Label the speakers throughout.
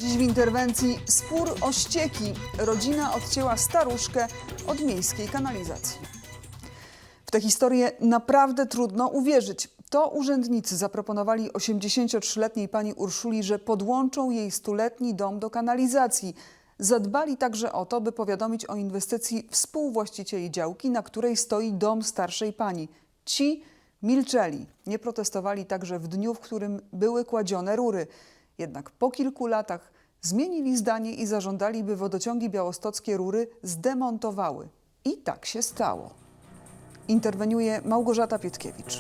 Speaker 1: Dziś w interwencji spór o ścieki. Rodzina odcięła staruszkę od miejskiej kanalizacji. W tę historię naprawdę trudno uwierzyć. To urzędnicy zaproponowali 83-letniej pani Urszuli, że podłączą jej 100-letni dom do kanalizacji. Zadbali także o to, by powiadomić o inwestycji współwłaścicieli działki, na której stoi dom starszej pani. Ci milczeli. Nie protestowali także w dniu, w którym były kładzione rury. Jednak po kilku latach zmienili zdanie i zażądali, by wodociągi białostockie rury zdemontowały. I tak się stało. Interweniuje Małgorzata Pietkiewicz.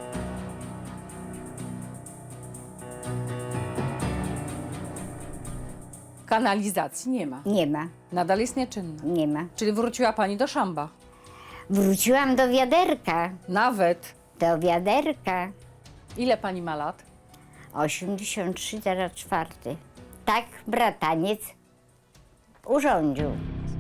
Speaker 2: Kanalizacji nie ma.
Speaker 3: Nie ma,
Speaker 2: Nadal jest nieczynna.
Speaker 3: nie ma.
Speaker 2: Czyli wróciła pani do szamba.
Speaker 3: Wróciłam do wiaderka,
Speaker 2: Nawet.
Speaker 3: do wiaderka.
Speaker 2: Ile pani ma lat?
Speaker 3: 83, teraz 4. Tak brataniec urządził.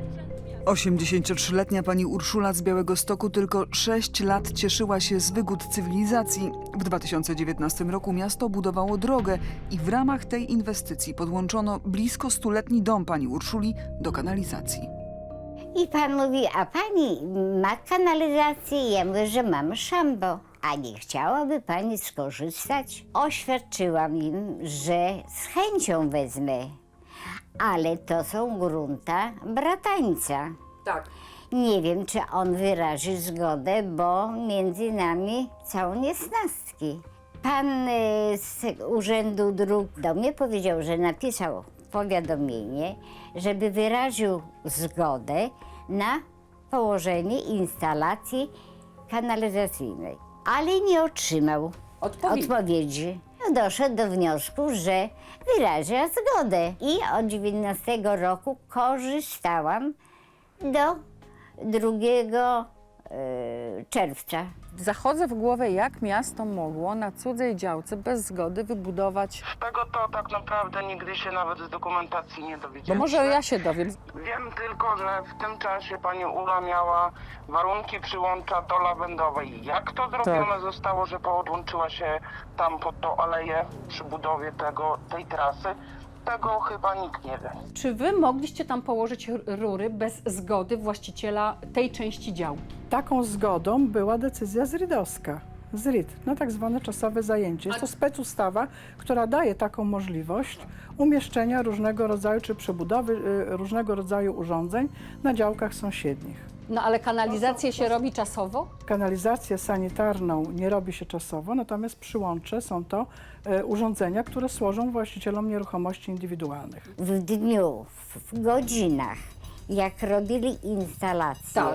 Speaker 1: 83-letnia pani Urszula z Białegostoku tylko 6 lat cieszyła się z wygód cywilizacji. W 2019 roku miasto budowało drogę i w ramach tej inwestycji podłączono blisko 100-letni dom pani Urszuli do kanalizacji.
Speaker 3: I pan mówi, a pani ma kanalizację? Ja mówię, że mam szambo. A nie chciałaby pani skorzystać? Oświadczyłam im, że z chęcią wezmę. Ale to są grunta bratańca.
Speaker 2: Tak.
Speaker 3: Nie wiem, czy on wyrazi zgodę, bo między nami są niesnastki. Pan z Urzędu Dróg do mnie powiedział, że napisał powiadomienie, żeby wyraził zgodę na położenie instalacji kanalizacyjnej, ale nie otrzymał odpowiedzi. Doszedł do wniosku, że wyraża zgodę i od 19 roku korzystałam do 2 czerwca.
Speaker 2: Zachodzę w głowę, jak miasto mogło na cudzej działce bez zgody wybudować...
Speaker 4: Z tego to tak naprawdę nigdy się nawet z dokumentacji nie
Speaker 2: Bo
Speaker 4: dowiedzieliśmy.
Speaker 2: może ja się dowiem.
Speaker 4: Wiem tylko, że w tym czasie pani Ula miała warunki przyłącza do Lawendowej. Jak to zrobione zostało, że podłączyła się tam pod tą aleję przy budowie tej trasy, tego chyba nikt nie wie.
Speaker 2: Czy wy mogliście tam położyć rury bez zgody właściciela tej części działki?
Speaker 5: Taką zgodą była decyzja zrydowska, ZRID, na tak zwane czasowe zajęcie. Jest to specustawa, która daje taką możliwość umieszczenia różnego rodzaju, czy przebudowy różnego rodzaju urządzeń na działkach sąsiednich.
Speaker 2: No ale kanalizację się robi czasowo?
Speaker 5: Kanalizację sanitarną nie robi się czasowo, natomiast przyłącze są to urządzenia, które służą właścicielom nieruchomości indywidualnych.
Speaker 3: W dniu, w godzinach, jak robili instalację,
Speaker 2: Tak.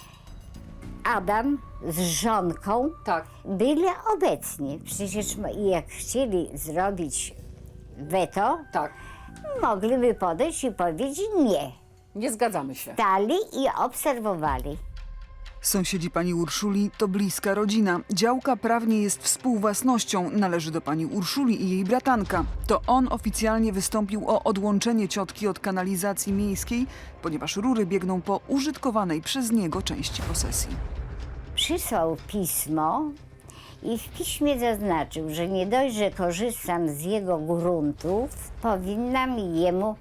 Speaker 3: Adam z żonką
Speaker 2: Tak.
Speaker 3: byli obecni. Przecież jak chcieli zrobić weto,
Speaker 2: Tak.
Speaker 3: mogliby podejść i powiedzieć nie.
Speaker 2: Nie zgadzamy się.
Speaker 3: Stali i obserwowali.
Speaker 1: Sąsiedzi pani Urszuli to bliska rodzina. Działka prawnie jest współwłasnością, należy do pani Urszuli i jej bratanka. To on oficjalnie wystąpił o odłączenie ciotki od kanalizacji miejskiej, ponieważ rury biegną po użytkowanej przez niego części posesji.
Speaker 3: Przysłał pismo i w piśmie zaznaczył, że nie dość, że korzystam z jego gruntów, powinnam jemu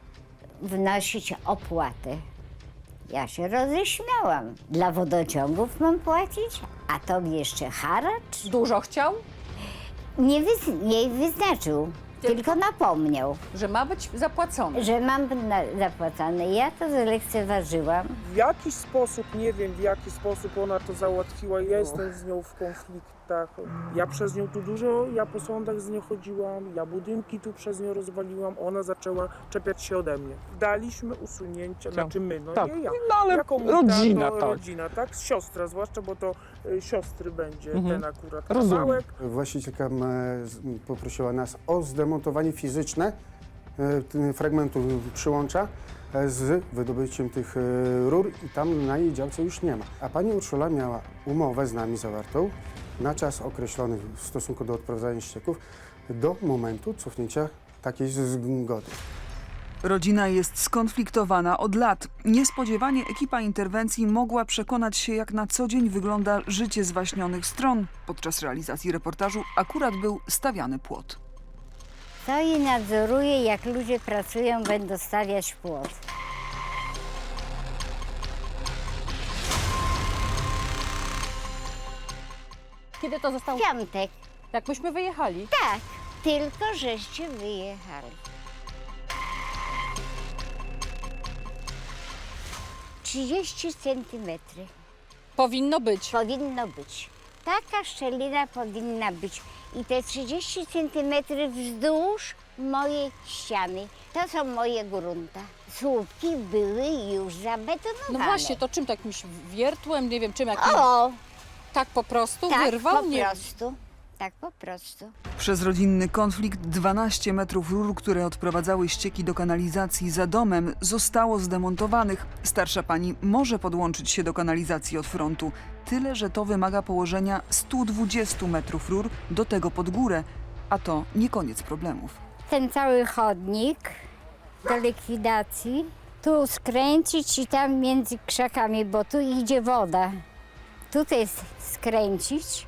Speaker 3: wnosić opłatę. Ja się roześmiałam. Dla wodociągów mam płacić, a tobie jeszcze haracz?
Speaker 2: Dużo chciał,
Speaker 3: Nie wyznaczył, tylko napomniał,
Speaker 2: że ma być zapłacone.
Speaker 3: że mam zapłacone. Ja to zlekceważyłam.
Speaker 6: W jakiś sposób, nie wiem w jaki sposób ona to załatwiła, ja jestem z nią w konfliktach. Ja przez nią tu dużo, ja po sądach z nią chodziłam, ja budynki tu przez nią rozwaliłam, ona zaczęła czepiać się ode mnie. Daliśmy usunięcie, znaczy my, no
Speaker 7: Tak.
Speaker 6: nie ja.
Speaker 7: No ale
Speaker 6: Jako
Speaker 7: rodzina,
Speaker 6: to
Speaker 7: tak.
Speaker 6: rodzina, tak? Siostra, zwłaszcza, bo to siostry będzie ten akurat
Speaker 7: Rozumiem.
Speaker 6: kawałek.
Speaker 8: Właścicielka poprosiła nas o zdemontowanie fizyczne fragmentu przyłącza z wydobyciem tych rur i tam na jej działce już nie ma. A pani Urszula miała umowę z nami zawartą na czas określony w stosunku do odprowadzania ścieków do momentu cofnięcia takiej zgody.
Speaker 1: Rodzina jest skonfliktowana od lat. Niespodziewanie ekipa interwencji mogła przekonać się, jak na co dzień wygląda życie zwaśnionych stron. Podczas realizacji reportażu akurat był stawiany płot.
Speaker 3: Stoi i nadzoruje, jak ludzie pracują, będą stawiać płot.
Speaker 2: Kiedy to zostało?
Speaker 3: W piątek.
Speaker 2: Jak myśmy wyjechali.
Speaker 3: Tak, tylko żeście wyjechali. 30 centymetrów
Speaker 2: Powinno być.
Speaker 3: powinno być. Taka szczelina powinna być. I te 30 centymetrów wzdłuż mojej ściany. To są moje grunta. Słupki były już zabetonowane.
Speaker 2: No właśnie, to czym takimś wiertłem, nie wiem czym, jakim...
Speaker 3: O,
Speaker 2: Tak po prostu
Speaker 3: tak
Speaker 2: wyrwał?
Speaker 3: po
Speaker 2: Nie.
Speaker 3: prostu. Tak po prostu.
Speaker 1: Przez rodzinny konflikt 12 metrów rur, które odprowadzały ścieki do kanalizacji za domem, zostało zdemontowanych. Starsza pani może podłączyć się do kanalizacji od frontu. Tyle, że to wymaga położenia 120 metrów rur, do tego pod górę. A to nie koniec problemów.
Speaker 3: Ten cały chodnik do likwidacji. Tu skręcić i tam między krzakami, bo tu idzie woda. Tutaj skręcić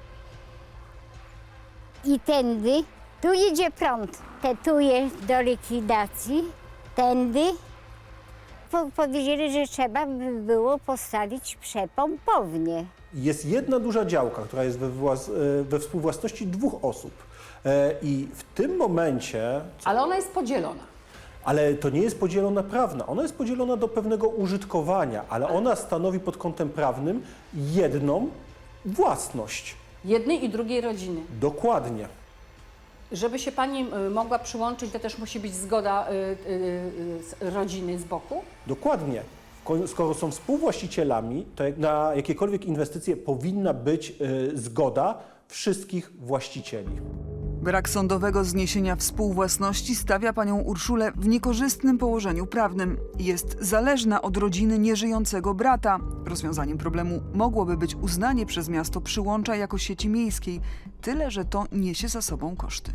Speaker 3: i tędy. Tu idzie prąd. Tetuje do likwidacji. Tędy. Powiedzieli, że trzeba by było postawić przepompownię.
Speaker 7: Jest jedna duża działka, która jest we współwłasności 2 osób. I w tym momencie,
Speaker 2: Ale ona jest podzielona.
Speaker 7: ale to nie jest podzielona prawna, ona jest podzielona do pewnego użytkowania, ale ona stanowi pod kątem prawnym jedną własność.
Speaker 2: Jednej i drugiej rodziny.
Speaker 7: Dokładnie.
Speaker 2: Żeby się pani mogła przyłączyć, to też musi być zgoda rodziny z boku?
Speaker 7: Dokładnie. Skoro są współwłaścicielami, to na jakiekolwiek inwestycje powinna być zgoda wszystkich właścicieli.
Speaker 1: Brak sądowego zniesienia współwłasności stawia panią Urszulę w niekorzystnym położeniu prawnym. Jest zależna od rodziny nieżyjącego brata. Rozwiązaniem problemu mogłoby być uznanie przez miasto Przyłącza jako sieci miejskiej, tyle że to niesie za sobą koszty.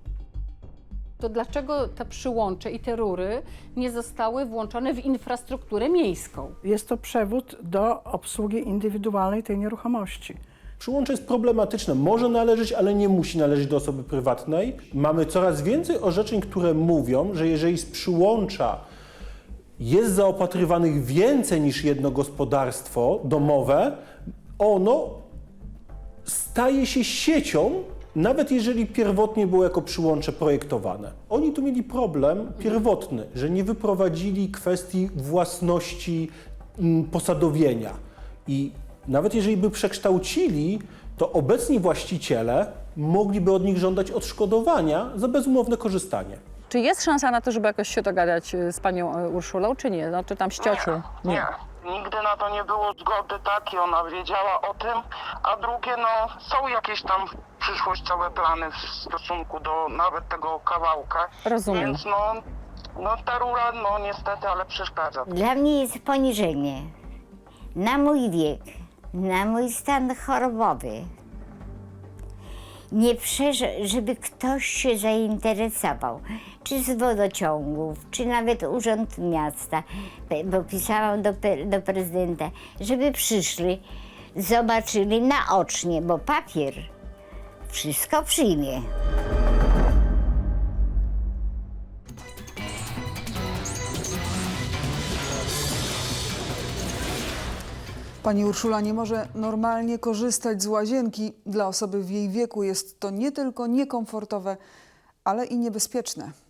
Speaker 2: To dlaczego te przyłącze i te rury nie zostały włączone w infrastrukturę miejską?
Speaker 5: Jest to przewód do obsługi indywidualnej tej nieruchomości.
Speaker 7: Przyłącze jest problematyczne. Może należeć, ale nie musi należeć do osoby prywatnej. Mamy coraz więcej orzeczeń, które mówią, że jeżeli z przyłącza jest zaopatrywanych więcej niż jedno gospodarstwo domowe, ono staje się siecią, nawet jeżeli pierwotnie było jako przyłącze projektowane. Oni tu mieli problem pierwotny, że nie wyprowadzili kwestii własności posadowienia. I nawet jeżeli by przekształcili, to obecni właściciele mogliby od nich żądać odszkodowania za bezumowne korzystanie.
Speaker 2: Czy jest szansa na to, żeby jakoś się dogadać z panią Urszulą, czy nie? No, czy tam z ciocią?
Speaker 4: Nie. Nigdy na to nie było zgody takiej, ona wiedziała o tym, a drugie, no są jakieś tam przyszłościowe plany w stosunku do nawet tego kawałka.
Speaker 2: Rozumiem.
Speaker 4: Więc no ta rura, no niestety, ale przeszkadza.
Speaker 3: Dla mnie jest poniżenie. Na mój wiek, na mój stan chorobowy. Nie żeby ktoś się zainteresował, czy z wodociągów, czy nawet Urząd Miasta, bo pisałam do prezydenta, żeby przyszli, zobaczyli naocznie, bo papier wszystko przyjmie.
Speaker 1: Pani Urszula nie może normalnie korzystać z łazienki. Dla osoby w jej wieku jest to nie tylko niekomfortowe, ale i niebezpieczne.